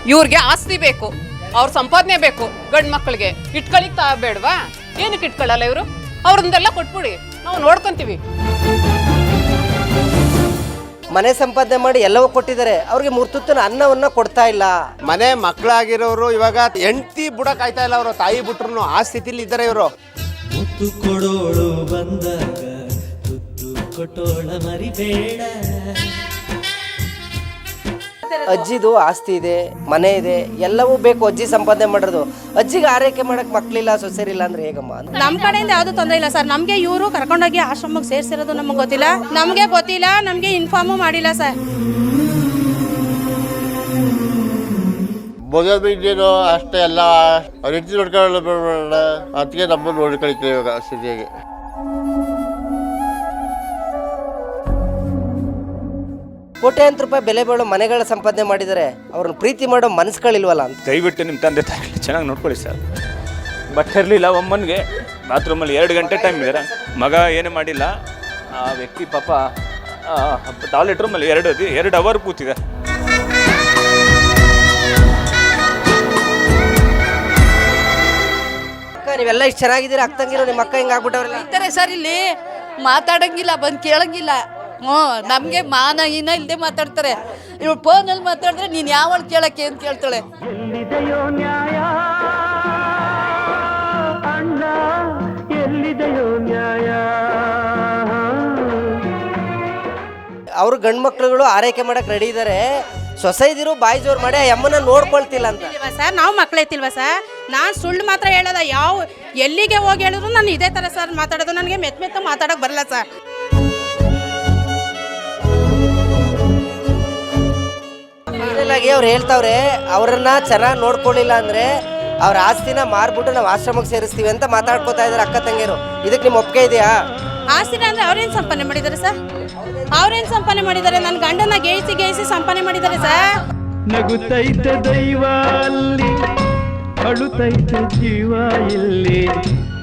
ಇವ್ರಿಗೆ ಆಸ್ತಿ ಬೇಕು, ಅವ್ರ ಸಂಪಾದನೆ ಬೇಕು, ಗಂಡು ಮಕ್ಕಳಿಗೆ ಇಟ್ಕೊಳಿಕ್ ಬೇಡವಾ? ಏನಕ್ಕೆ ಇಟ್ಕೊಳ್ಳಲ್ಲ ಇವರು? ಅವ್ರನ್ನೆಲ್ಲ ಕೊಟ್ಬಿಡಿ, ನಾವು ನೋಡ್ಕೊಂತೀವಿ. ಮನೆ ಸಂಪಾದನೆ ಮಾಡಿ ಎಲ್ಲವೂ ಕೊಟ್ಟಿದ್ದಾರೆ, ಅವ್ರಿಗೆ ಮೂರ್ತುತ್ತಿನ ಅನ್ನವನ್ನ ಕೊಡ್ತಾ ಇಲ್ಲ. ಮನೆ ಮಕ್ಕಳಾಗಿರೋರು ಇವಾಗ ಹೆಂಡತಿ ಬುಡಕ್ ಆಯ್ತಾ ಇಲ್ಲ, ಅವರು ತಾಯಿ ಬಿಟ್ರು ಆ ಸ್ಥಿತಿಲಿ ಇದ್ದಾರೆ ಇವರು. ಮುತ್ತು ಕೊಡೋಳು ಬಂದಾಗ ತುತ್ತು ಕೊಟ್ಟೋಳ ಮರಿಬೇಡ. ಅಜ್ಜಿದು ಆಸ್ತಿ ಇದೆ, ಮನೆ ಇದೆ, ಎಲ್ಲವೂ ಬೇಕು. ಅಜ್ಜಿ ಸಂಪಾದನೆ ಮಾಡೋದು, ಅಜ್ಜಿಗೆ ಆರೈಕೆ ಮಾಡಕ್ ಮಕ್ಳಿಲ್ಲ, ಸೊಸೆರಿಲ್ಲ ಅಂದ್ರೆ ಹೇಗಮ್ಮ? ನಮ್ಮ ಕಡೆಯಿಂದ ಯಾವ್ದು ತೊಂದರೆ ಇಲ್ಲ ಸರ್. ನಮ್ಗೆ ಇವರು ಕರ್ಕೊಂಡೋಗಿ ಆಶ್ರಮಕ್ಕೆ ಸೇರ್ಸಿರೋದು ನಮಗೆ ಗೊತ್ತಿಲ್ಲ, ನಮ್ಗೆ ಇನ್ಫಾರ್ಮು ಮಾಡಿಲ್ಲ ಸರ್. ಮಗೇನು ಅಷ್ಟೇ ಎಲ್ಲ ಅವ್ರ ಹೆಂಡತಿ ನೋಡ್ಕೊಳ್ಳೋಣ, ಅದಕ್ಕೆ ನಮ್ಮನ್ನು ನೋಡ್ಕೊಳ್ತೀವಿ ಇವಾಗ ಸ್ಥಿತಿಯಾಗಿ. ಕೋಟ್ಯಾಂತರ ರೂಪಾಯಿ ಬೆಲೆ ಬಾಳೋ ಮನೆಗಳ ಸಂಪಾದನೆ ಮಾಡಿದರೆ ಅವ್ರನ್ನ ಪ್ರೀತಿ ಮಾಡೋ ಮನಸ್ಸುಗಳಿಲ್ವಲ್ಲ ಅಂತ. ದಯವಿಟ್ಟು ನಿಮ್ಮ ತಂದೆ ತಾಯಿ ಚೆನ್ನಾಗಿ ನೋಡ್ಕೊಳ್ಳಿ ಸರ್. ಬಟ್ ಇರಲಿಲ್ಲ, ಒಮ್ಮನಿಗೆ ಬಾತ್ರೂಮಲ್ಲಿ 2 ಗಂಟೆ ಟೈಮ್ ಇದ್ದಾರೆ, ಮಗ ಏನೂ ಮಾಡಿಲ್ಲ. ಆ ವ್ಯಕ್ತಿ ಪಾಪ ಟಾಯ್ಲೆಟ್ ರೂಮಲ್ಲಿ 2 ಅವರ್ ಕೂತಿದೆ. ನೀವೆಲ್ಲ ಇಷ್ಟು ಚೆನ್ನಾಗಿದ್ದೀರಾ, ಅಕ್ಕಂಗಿರೋ ನಿಮ್ಮ ಅಕ್ಕ ಹಿಂಗೆ ಆಗ್ಬಿಟ್ಟವ್ರಲ್ಲ ಇರ್ತಾರೆ ಸರ್. ಇಲ್ಲಿ ಮಾತಾಡಂಗಿಲ್ಲ, ಬಂದು ಕೇಳಂಗಿಲ್ಲ. ನಮಗೆ ಮಾನ ಇನ್ನ ಇಲ್ಲದೆ ಮಾತಾಡ್ತಾರೆ. ಇವ್ರು ಫೋನಲ್ಲಿ ಮಾತಾಡಿದ್ರೆ ನೀನು ಯಾವಳು ಕೇಳಕ್ಕೆ ಅಂತ ಕೇಳ್ತಾಳೆ. ಎಲ್ಲಿದೆಯೋ ನ್ಯಾಯ ಅಣ್ಣ, ಎಲ್ಲಿದೆಯೋ ನ್ಯಾಯ. ಅವರು ಗಂಡು ಮಕ್ಳುಗಳು ಆರೈಕೆ ಮಾಡಕ್ ರೆಡಿ ಇದ್ದಾರೆ, ಸೊಸೈದಿರು ಬಾಯಿ ಜೋರು ಮಾಡಿ ಆ ಅಮ್ಮನ ನೋಡ್ಕೊಳ್ತಿಲ್ಲ ಅಂತ ಸರ್. ನಾವು ಮಕ್ಕಳೈತಿಲ್ವಾ ಸರ್? ನಾನು ಸುಳ್ಳು ಮಾತ್ರ ಹೇಳೋದ, ಎಲ್ಲಿಗೆ ಹೋಗಿ ಹೇಳಿದ್ರು ನಾನು ಇದೇ ಥರ ಸರ್ ಮಾತಾಡೋದು. ನನಗೆ ಮೆತ್ತ ಮಾತಾಡೋಕೆ ಬರಲ್ಲ ಸರ್. ಫೈನಲಾಗಿ ಅವ್ರು ಹೇಳ್ತಾವ್ರೆ, ಅವ್ರನ್ನ ಚೆನ್ನಾಗಿ ನೋಡ್ಕೊಳ್ಳಿಲ್ಲ ಅಂದ್ರೆ ಅವ್ರ ಆಸ್ತಿನ ಮಾರ್ಬಿಟ್ಟು ನಾವು ಆಶ್ರಮಕ್ಕೆ ಸೇರಿಸ್ತೀವಿ ಅಂತ ಮಾತಾಡ್ಕೋತಾ ಇದಾರೆ ಅಕ್ಕ ತಂಗಿಯರು. ಇದಕ್ಕೆ ನಿಮ್ಮ ಒಪ್ಪಿಗೆ ಇದೆಯಾ? ಆಸ್ತಿನ ಅಂದ್ರೆ ಅವ್ರೇನು ಸಂಪಾದನೆ ಮಾಡಿದ್ದಾರೆ ಸರ್? ಅವ್ರೇನು ಸಂಪಾದನೆ ಮಾಡಿದ್ದಾರೆ? ನನ್ನ ಗಂಡನ ಗೇಯಿಸಿ ಸಂಪಾದನೆ ಮಾಡಿದ್ದಾರೆ ಸರ್. ನಗುತ್ತೈತೆ ದೈವ ಅಲ್ಲಿ, ಅಳುತ್ತೈತೆ ಜೀವ ಇಲ್ಲಿ.